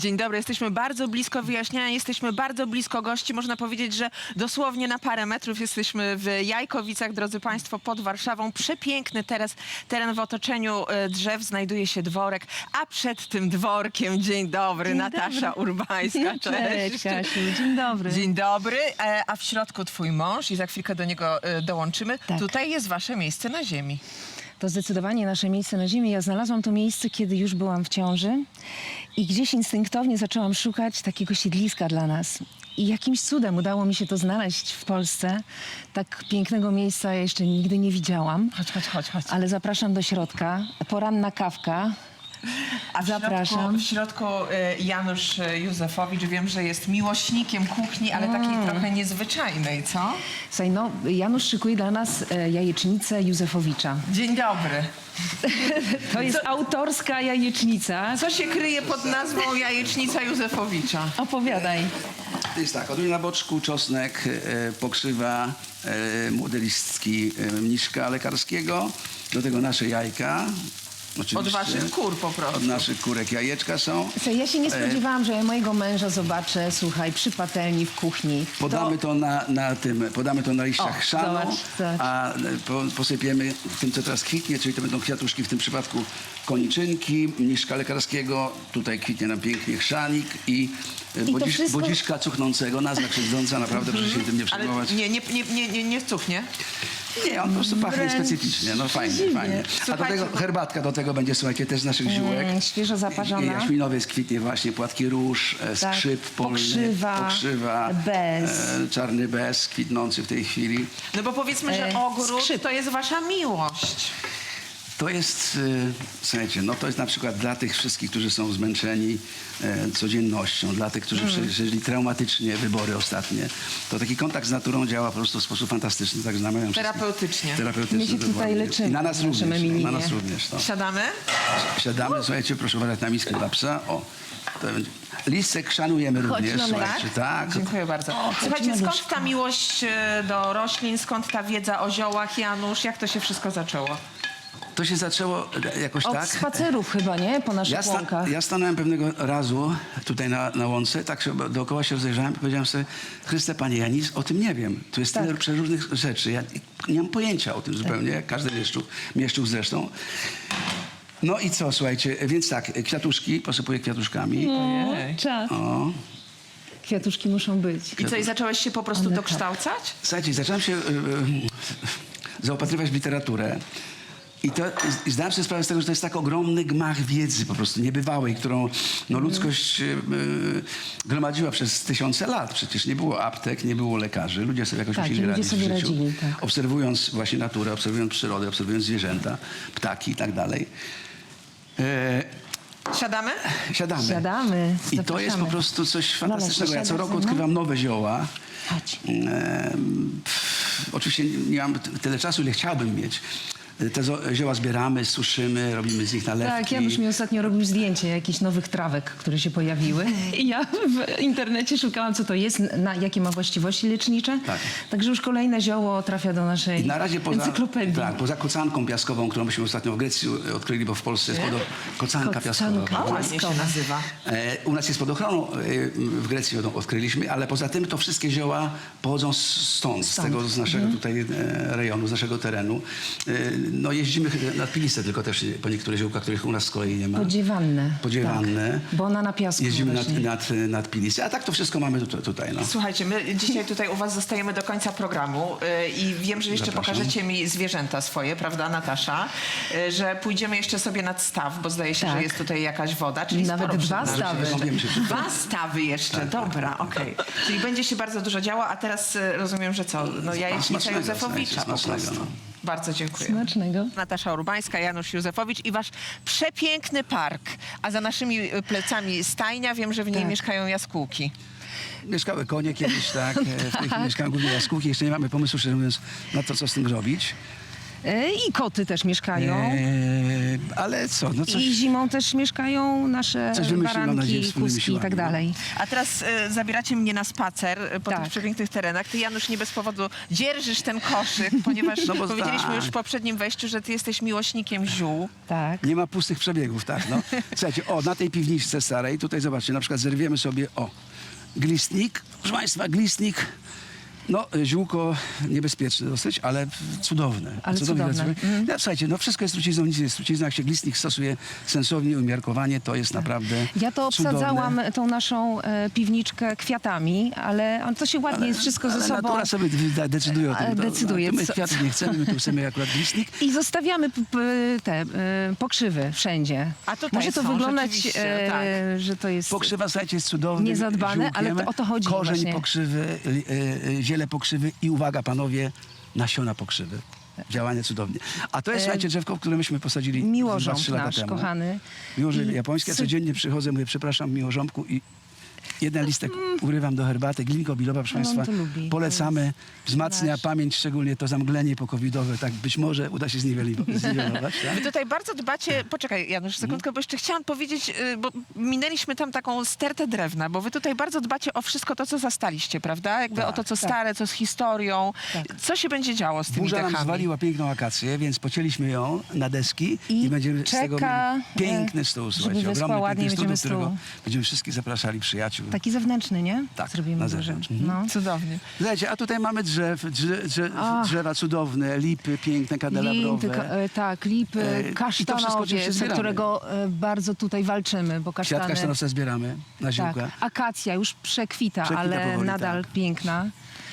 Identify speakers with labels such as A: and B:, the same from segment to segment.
A: Dzień dobry, jesteśmy bardzo blisko wyjaśniania, jesteśmy bardzo blisko gości. Można powiedzieć, że dosłownie na parę metrów jesteśmy w Jajkowicach, drodzy Państwo, pod Warszawą. Przepiękny teraz teren w otoczeniu drzew, znajduje się dworek, a przed tym dworkiem, dzień dobry,
B: Dzień
A: Natasza
B: dobry.
A: Urbańska.
B: Cześć, Kasiu, dzień dobry.
A: Dzień dobry, a w środku twój mąż i za chwilkę do niego dołączymy.
B: Tak.
A: Tutaj jest wasze miejsce na ziemi.
B: To zdecydowanie nasze miejsce na ziemi. Ja znalazłam to miejsce, kiedy już byłam w ciąży i gdzieś instynktownie zaczęłam szukać takiego siedliska dla nas. I jakimś cudem udało mi się to znaleźć w Polsce. Tak pięknego miejsca ja jeszcze nigdy nie widziałam.
A: Chodź.
B: Ale zapraszam do środka. Poranna kawka.
A: A
B: Zapraszam.
A: W środku Janusz Józefowicz, wiem, że jest miłośnikiem kuchni, ale takiej trochę niezwyczajnej, co?
B: Słuchaj, no, Janusz szykuje dla nas jajecznicę Józefowicza.
A: Dzień dobry.
B: To jest autorska jajecznica.
A: Co się kryje pod nazwą jajecznica Józefowicza?
B: Opowiadaj.
C: To jest tak, odrój na boczku, czosnek, pokrzywa, młode listki mniszka lekarskiego, do tego nasze jajka. Oczywiście.
A: Od waszych kur po
C: Od
A: prostu.
C: naszych kurek jajeczka są.
B: Słuchaj, ja się nie spodziewałam, że ja mojego męża zobaczę, słuchaj, przy patelni w kuchni.
C: Podamy to podamy to na liściach
B: O,
C: chrzanu,
B: zobacz.
C: a posypiemy tym, co teraz kwitnie, czyli to będą kwiatuszki, w tym przypadku koniczynki, mniszka lekarskiego, tutaj kwitnie nam pięknie chrzanik i
B: to wszystko-
C: bodziszka cuchnącego, nazwa krzywdząca, naprawdę proszę się tym nie
A: Ale
C: przejmować.
A: nie cuchnie.
C: Nie, on po prostu pachnie
B: Wręcz
C: specyficznie, no fajnie,
B: dziwnie.
C: fajnie. A do
A: Słuchajcie,
C: tego herbatka do tego będzie, słuchajcie, też z naszych ziółek.
B: Świeżo zaparzona.
C: Jaśminowiec kwitnie właśnie, płatki róż,
B: Tak.
C: skrzyp polny,
B: Pokrzywa, bez.
C: czarny bez kwitnący w tej chwili.
A: No bo powiedzmy, że ogród
B: skrzyp.
A: to jest wasza miłość.
C: To jest, słuchajcie, no to jest na przykład dla tych wszystkich, którzy są zmęczeni codziennością, dla tych, którzy przeżyli traumatycznie wybory ostatnie, to taki kontakt z naturą działa po prostu w sposób fantastyczny, także namawiam wszystkich.
A: Terapeutycznie.
C: Terapeutycznie.
B: My się tutaj
C: dokładnie.
B: leczymy
C: I na nas
B: w naszym
C: również,
B: Emilinie.
C: na nas również. No.
A: Siadamy?
C: Siadamy, słuchajcie, proszę uważać na miskę dla psa. O, to będzie. Listek szanujemy również,
B: Lolek.
C: słuchajcie, tak.
A: Dziękuję bardzo. Słuchajcie, skąd ta miłość do roślin, skąd ta wiedza o ziołach, Janusz? Jak to się wszystko zaczęło?
C: To się zaczęło jakoś
B: Od
C: tak.
B: spacerów chyba, nie? Po naszych łąkach.
C: Ja stanąłem pewnego razu tutaj na łące, tak się dookoła się rozejrzałem i powiedziałem sobie, Chryste Panie, ja nic o tym nie wiem. Tu jest tyle przeróżnych rzeczy. Ja nie mam pojęcia o tym zupełnie, jak każdy mieszczuch zresztą. No i co, słuchajcie, więc tak, kwiatuszki, posypuję kwiatuszkami.
A: Ojej.
B: Czas.
C: O.
B: Kwiatuszki muszą być.
A: I co, i zacząłeś się po prostu
B: Ale
A: dokształcać?
C: Słuchajcie, zacząłem się zaopatrywać w literaturę. I zdałem sobie sprawę z tego, że to jest tak ogromny gmach wiedzy po prostu niebywałej, którą no, ludzkość gromadziła przez tysiące lat. Przecież nie było aptek, nie było lekarzy. Ludzie sobie jakoś
B: Tak,
C: musieli
B: ludzie
C: radzić
B: sobie
C: w życiu.
B: radzili, tak.
C: Obserwując właśnie naturę, obserwując przyrodę, obserwując zwierzęta, ptaki i tak dalej.
A: Siadamy?
C: Siadamy.
B: Siadamy.
C: I to jest po prostu coś fantastycznego. Ja co roku odkrywam nowe zioła.
B: Chodź.
C: Oczywiście nie mam tyle czasu, ile chciałbym mieć. Te zioła zbieramy, suszymy, robimy z nich nalewki.
B: Tak, Janusz mi ostatnio robił zdjęcie jakichś nowych trawek, które się pojawiły. I ja w internecie szukałam, co to jest, jakie ma właściwości lecznicze.
C: Tak.
B: Także już kolejne zioło trafia do naszej
C: I na razie
B: encyklopedii.
C: poza kocanką piaskową, którą myśmy ostatnio w Grecji odkryli, bo w Polsce jest kocanka piaskowa.
B: Kocanka.
C: prawda?
A: Ładnie się nazywa.
C: U nas jest pod ochroną, w Grecji ją odkryliśmy, ale poza tym to wszystkie zioła pochodzą stąd. z naszego tutaj rejonu, z naszego terenu. No jeździmy na Pilistę tylko też po niektóre ziołka, których u nas z kolei nie ma.
B: Podziewanne. Tak, bo ona na piasku
C: Jeździmy
B: właśnie.
C: nad Pilistę, a tak to wszystko mamy tutaj. No.
A: Słuchajcie, my dzisiaj tutaj u was zostajemy do końca programu i wiem, że jeszcze
C: Zapraszam.
A: pokażecie mi zwierzęta swoje, prawda, Natasza? Że pójdziemy jeszcze sobie nad staw, bo zdaje się,
B: Tak.
A: że jest tutaj jakaś woda, czyli
B: Nawet
A: sporo
B: dwa
A: przed nami
B: stawy.
A: jeszcze.
C: Kąpiemy się przy tym.
A: Dwa stawy jeszcze, dobra, okej. Czyli będzie się bardzo dużo działo, a teraz rozumiem, że co? No jajecznica
C: Smacznego,
A: Józefowicza po
C: smacznego,
A: prostu.
C: no.
A: Bardzo dziękuję.
B: Smacznego.
A: Natasza Urbańska, Janusz Józefowicz i wasz przepiękny park, a za naszymi plecami stajnia, wiem, że w niej
B: Tak.
A: mieszkają jaskółki.
C: Mieszkały konie kiedyś, tak. W tej chwili mieszkają głównie jaskółki. Jeszcze nie mamy pomysłu, szczerze mówiąc, na to, co z tym zrobić.
B: I koty też mieszkają.
C: Ale co, no coś...
B: I zimą też mieszkają nasze
C: Coś wymyślimy, mam nadzieję,
B: baranki,
C: wspólnymi
B: kuski i tak
C: siłami, no.
B: dalej.
A: A teraz zabieracie mnie na spacer po
B: Tak.
A: tych przepięknych terenach. Ty, Janusz, nie bez powodu dzierżysz ten koszyk, ponieważ
C: No bo
A: powiedzieliśmy
C: tak.
A: już w poprzednim wejściu, że ty jesteś miłośnikiem ziół.
B: Tak.
C: Nie ma pustych przebiegów, tak, no. Słuchajcie, na tej piwniczce starej, tutaj zobaczcie, na przykład zerwiemy sobie, glistnik, proszę Państwa, glistnik, no, ziółko niebezpieczne dosyć, ale cudowne.
B: Ale
C: Cudownie
B: cudowne.
C: pracuję. No, słuchajcie, no wszystko jest trucizną, nic nie jest trucizną. Jak się glistnik stosuje sensownie, umiarkowanie, to jest naprawdę
B: Ja to
C: cudowne.
B: obsadzałam tą naszą piwniczkę kwiatami, ale to się ładnie jest wszystko ze
C: Ale
B: sobą.
C: natura sobie decyduje o tym.
B: Decyduje,
C: My
B: co-
C: kwiatów nie chcemy, my tu chcemy akurat glistnik.
B: I zostawiamy te pokrzywy wszędzie.
A: A tutaj
B: Może to
A: są,
B: wyglądać,
A: rzeczywiście, tak.
B: że to jest...
C: Pokrzywa, słuchajcie, jest cudowny.
B: Niezadbane, ale
C: ziółkiem.
B: to o to chodzi
C: Korzeń
B: właśnie.
C: pokrzywy, ziele pokrzywy i uwaga, panowie, nasiona pokrzywy. Działanie cudownie. A to jest, słuchajcie, drzewko, które myśmy posadzili
B: Miłożąb
C: 2-3 lata
B: nasz,
C: temu.
B: kochany.
C: Miłożąb
B: I
C: japoński. Ja
B: cu-
C: codziennie przychodzę, mówię, przepraszam, miłożąbku i jeden listek urywam do herbaty. Glinko bilowa, proszę
B: Ale on
C: Państwa,
B: to lubi.
C: polecamy. Wzmacnia
B: nasz.
C: pamięć, szczególnie to zamglenie pokowidowe. Tak być może uda się zniwelować. Tak?
A: Wy tutaj bardzo dbacie, poczekaj Janusz, sekundkę, bo jeszcze chciałam powiedzieć, bo minęliśmy tam taką stertę drewna, bo wy tutaj bardzo dbacie o wszystko to, co zastaliście, prawda? Jakby
C: Tak,
A: o to, co
B: tak.
A: stare, co z historią.
B: Tak.
A: Co się będzie działo z tymi
C: Burza nam
A: dechami?
C: zwaliła piękną akację, więc pocięliśmy ją na deski i,
B: I
C: będziemy z tego
B: czeka,
C: mieli piękny stół,
B: żeby
C: słuchajcie.
B: wyschła
C: Ogromny
B: ładnie,
C: piękny stół, do
B: będziemy
C: którego
B: stół.
C: będziemy wszystkich zapraszali przyjaciół.
B: Taki zewnętrzny, nie?
C: Tak,
B: Zrobimy
C: na
B: duży.
C: zewnątrz.
B: No.
A: Cudownie.
C: Słuchajcie, a tutaj mamy drzewa cudowne, lipy piękne, kandelabrowe.
B: Tak, lipy,
C: I to wszystko
B: kasztanowiec,
C: oczywiście zbieramy.
B: którego bardzo tutaj walczymy, bo
C: Kwiat
B: kasztany...
C: kasztanowca zbieramy na ziółka.
B: Tak, akacja już przekwita,
C: Przekwita
B: ale
C: powoli,
B: nadal
C: tak.
B: piękna.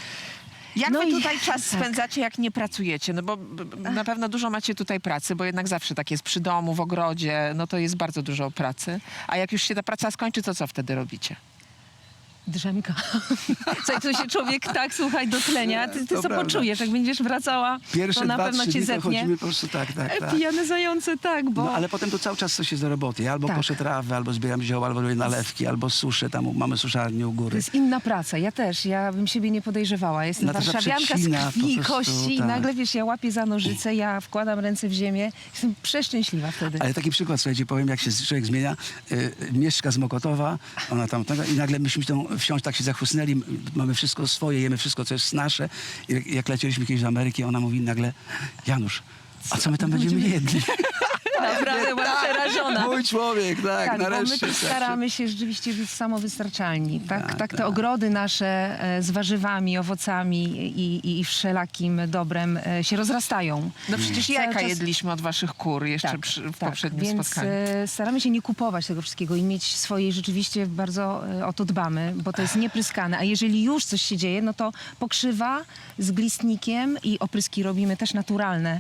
A: Jak
B: No
A: wy
B: i-
A: tutaj czas
B: tak.
A: spędzacie, jak nie pracujecie? No bo na pewno dużo macie tutaj pracy, bo jednak zawsze tak jest przy domu, w ogrodzie, no to jest bardzo dużo pracy. A jak już się ta praca skończy, to co wtedy robicie?
B: Drzemka. Słuchaj, to się człowiek tak, słuchaj, dotlenia. Ty
C: To
B: co
C: prawda.
B: poczujesz, jak będziesz wracała,
C: Pierwsze
B: to na
C: 2-3
B: pewno cię
C: dni to
B: zetnie.
C: chodzimy po prostu tak.
B: Pijane zające, tak, bo...
C: No ale potem to cały czas coś jest do roboty. Ja albo
B: Tak.
C: koszę trawę, albo zbieram zioła, albo robię nalewki, albo suszę. Tam mamy suszarnię u góry.
B: To jest inna praca. Ja też. Ja bym siebie nie podejrzewała. Jestem
C: Natasza
B: warszawianka
C: przecina
B: z krwi i
C: po prostu,
B: kości i
C: tak.
B: nagle, wiesz, ja łapię za nożyce, ja wkładam ręce w ziemię. Jestem przeszczęśliwa wtedy.
C: Ale taki przykład, słuchajcie, powiem, jak się człowiek zmienia. Mieszka z Mokotowa, ona tam, i nagle myśmy tą wsiąść tak się zachłysnęli, mamy wszystko swoje, jemy wszystko, co jest nasze. I jak lecieliśmy kiedyś do Ameryki, ona mówi nagle, Janusz, a co my tam będziemy jedli?
B: Naprawdę byłam przerażona.
C: Mój człowiek, tak,
B: Tak, bo my
C: nareszcie.
B: tu
C: słuchajcie.
B: staramy się rzeczywiście być samowystarczalni. Tak,
C: Tak,
B: tak te
C: tak.
B: ogrody nasze z warzywami, owocami i wszelakim dobrem się rozrastają.
A: No przecież
B: Cały
A: jajka
B: czas-
A: jedliśmy od waszych kur jeszcze w poprzednim
B: więc
A: spotkaniu.
B: staramy się nie kupować tego wszystkiego i mieć swoje, rzeczywiście bardzo o to dbamy, bo to jest niepryskane. A jeżeli już coś się dzieje, no to pokrzywa z glistnikiem i opryski robimy też naturalne.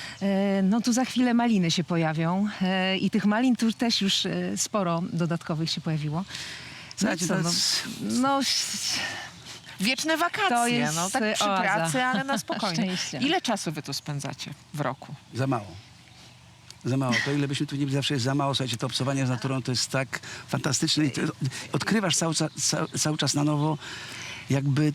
B: No tu za chwilę maliny się pojawią i tych malin tu też już sporo dodatkowych się pojawiło.
C: Słuchajcie,
B: co,
C: to
B: no,
C: jest-
B: no,
A: Wieczne wakacje,
B: To jest
A: no tak przy
B: oaza.
A: pracy, ale na spokojnie.
B: Szczęścia.
A: Ile czasu wy tu spędzacie w roku?
C: Za mało. Za mało. To ile byśmy tu nie byli, zawsze jest za mało. Słuchajcie, to obcowanie z naturą to jest tak fantastyczne i to odkrywasz cały czas na nowo jakby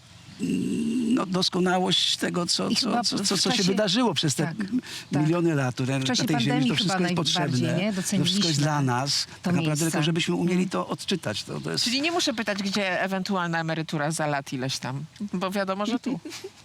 C: doskonałość tego, co
B: I chyba
C: się
B: w czasie-
C: wydarzyło przez te
B: tak, tak.
C: miliony lat. Które
B: W czasie
C: na tej ziemi
B: pandemii
C: to wszystko
B: chyba
C: jest
B: najbardziej,
C: potrzebne.
B: nie?
C: To wszystko jest
B: Doceniliśmy
C: dla nas.
B: to
C: Tak naprawdę
B: miejsce.
C: tylko, żebyśmy umieli to odczytać. To jest...
A: Czyli nie muszę pytać, gdzie ewentualna emerytura za lat ileś tam, bo wiadomo, że tu.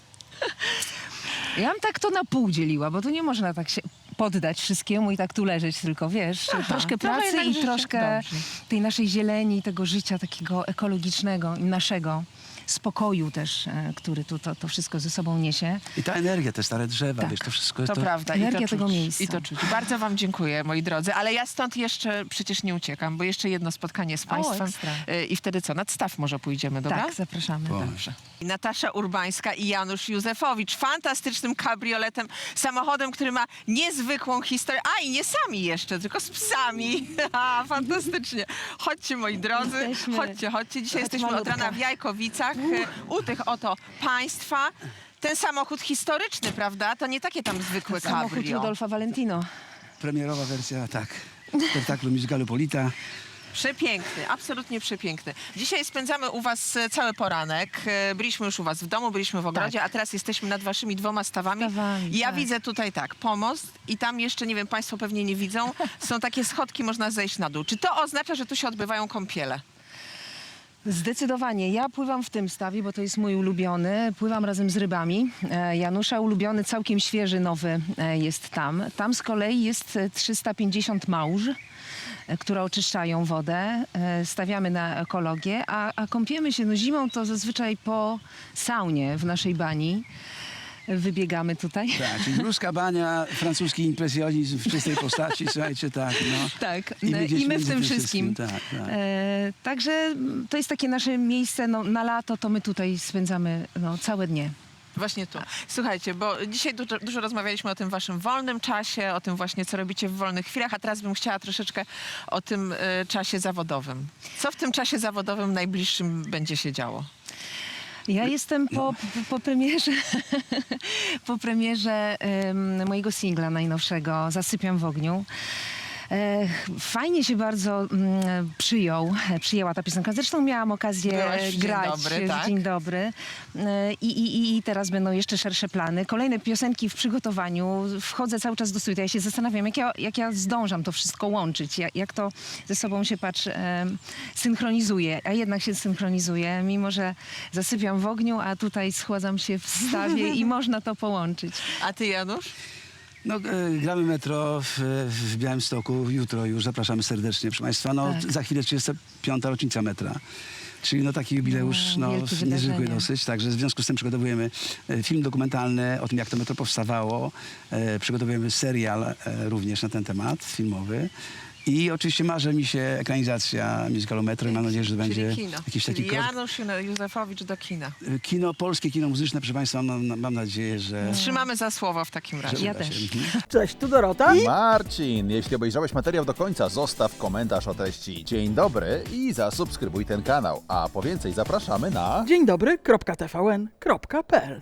B: Ja bym tak to na pół dzieliła, bo tu nie można tak się poddać wszystkiemu i tak tu leżeć, tylko wiesz, troszkę
A: trochę
B: pracy
A: jednak
B: i
A: życia.
B: troszkę
A: Dobrze.
B: tej naszej zieleni, tego życia takiego ekologicznego i naszego spokoju też, który tu to wszystko ze sobą niesie.
C: I ta energia, te stare drzewa,
B: Tak.
C: wiesz, to wszystko jest
A: To prawda.
B: Energia
A: I to
B: tego
A: czuć,
B: miejsca.
A: I to czuć. Bardzo wam dziękuję, moi drodzy, ale ja stąd jeszcze przecież nie uciekam, bo jeszcze jedno spotkanie z państwem.
B: ekstra.
A: I wtedy co, nad staw może pójdziemy, dobra?
B: Tak, zapraszamy.
C: Dobrze.
A: I Natasza Urbańska i Janusz Józefowicz fantastycznym kabrioletem, samochodem, który ma niezwykłą historię. A i nie sami jeszcze, tylko z psami. Fantastycznie. Chodźcie, moi drodzy,
B: Jesteśmy.
A: chodźcie. Dzisiaj
B: Chodź,
A: jesteśmy od
B: malutka.
A: rana w Jajkowicach, u tych oto państwa. Ten samochód historyczny, prawda? To nie takie tam zwykłe
B: Samochód
A: cabrio.
B: Rudolfa Valentino.
C: Premierowa wersja, tak, spektaklu musicalu Polita.
A: Przepiękny, absolutnie przepiękny. Dzisiaj spędzamy u was cały poranek. Byliśmy już u was w domu, byliśmy w ogrodzie, a teraz jesteśmy nad waszymi 2 stawami. I ja
B: tak.
A: widzę tutaj tak, pomost i tam jeszcze, nie wiem, państwo pewnie nie widzą, są takie schodki, można zejść na dół. Czy to oznacza, że tu się odbywają kąpiele?
B: Zdecydowanie. Ja pływam w tym stawie, bo to jest mój ulubiony. Pływam razem z rybami. Janusza ulubiony, całkiem świeży, nowy jest tam. Tam z kolei jest 350 małż, które oczyszczają wodę. Stawiamy na ekologię, a kąpiemy się zimą to zazwyczaj po saunie w naszej bani. Wybiegamy tutaj.
C: Tak, czyli ruska bania, francuski impresjonizm w czystej postaci, słuchajcie, tak, no.
B: Tak,
C: I my gdzieś
B: i my w
C: między
B: tym
C: tym
B: wszystkim.
C: wszystkim, tak, tak.
B: Także to jest takie nasze miejsce, no, na lato to my tutaj spędzamy całe dnie.
A: Właśnie tu. Słuchajcie, bo dzisiaj dużo rozmawialiśmy o tym waszym wolnym czasie, o tym właśnie, co robicie w wolnych chwilach, a teraz bym chciała troszeczkę o tym czasie zawodowym. Co w tym czasie zawodowym najbliższym będzie się działo?
B: Ja jestem po premierze, po premierze mojego singla najnowszego Zasypiam w ogniu. Fajnie się bardzo przyjęła ta piosenka. Zresztą miałam okazję
A: Byłaś w Dzień
B: grać
A: Dobry, tak?
B: w Dzień Dobry. I teraz będą jeszcze szersze plany. Kolejne piosenki w przygotowaniu. Wchodzę cały czas do studia. Ja się zastanawiam, jak ja zdążam to wszystko łączyć. Jak to ze sobą się, synchronizuje. A jednak się synchronizuje, mimo że zasypiam w ogniu, a tutaj schładzam się w stawie i można to połączyć.
A: A ty, Janusz?
C: No, gramy metro w Białymstoku jutro już, zapraszamy serdecznie, proszę Państwa. No,
B: Tak.
C: za chwilę 35. rocznica metra. Czyli no, taki jubileusz
B: wielkie
C: niezwykły
B: wydarzenie.
C: dosyć. Także w związku z tym przygotowujemy film dokumentalny o tym, jak to metro powstawało. Przygotowujemy serial również na ten temat, filmowy. I oczywiście marzy mi się ekranizacja musicalu Metro i mam nadzieję, że będzie
A: Czyli kino.
C: jakiś taki
A: Czyli Janusz Józefowicz do kina.
C: kino, polskie kino muzyczne, proszę Państwa, mam nadzieję, że...
A: Trzymamy za słowo w takim razie.
B: Ja
C: uda się.
B: też.
D: Cześć, tu Dorota.
E: Marcin, jeśli obejrzałeś materiał do końca, zostaw komentarz o treści Dzień dobry i zasubskrybuj ten kanał. A po więcej zapraszamy na...
D: Dzień dobry, .tvn.pl